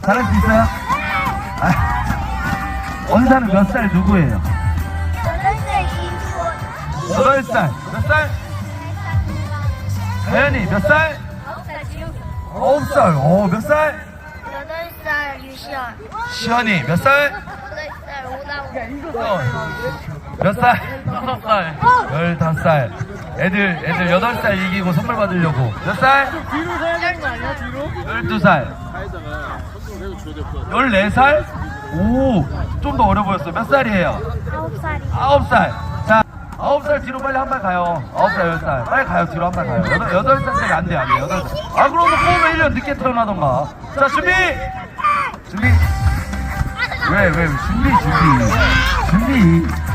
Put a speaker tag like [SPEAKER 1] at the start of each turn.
[SPEAKER 1] 잘할 수 있어요? 아, 원사는 몇 살 누구예요? 8살. 몇 살? 다현이 몇 살? 9살. 몇 살?
[SPEAKER 2] 8살 유시연.
[SPEAKER 1] 시현이 몇 살?
[SPEAKER 2] 8살 오다우.
[SPEAKER 1] 몇 살? 15살. 애들 8살 이기고 선물 받으려고. 몇 살?
[SPEAKER 3] 뒤로 서야 되는 거 아니야? 뒤로?
[SPEAKER 1] 12살. 14살? 오, 좀 더 어려 보였어. 몇 살이에요?
[SPEAKER 2] 9살이.
[SPEAKER 1] 9살. 자, 9살 뒤로 빨리 한 발 가요. 9살, 10살. 빨리 가요. 뒤로 한 발 가요. 8살짜리 안 돼, 안 돼. 8살. 아, 그러면 꼬우면 1년 늦게 태어나던가. 자, 준비! 준비! 왜, 준비.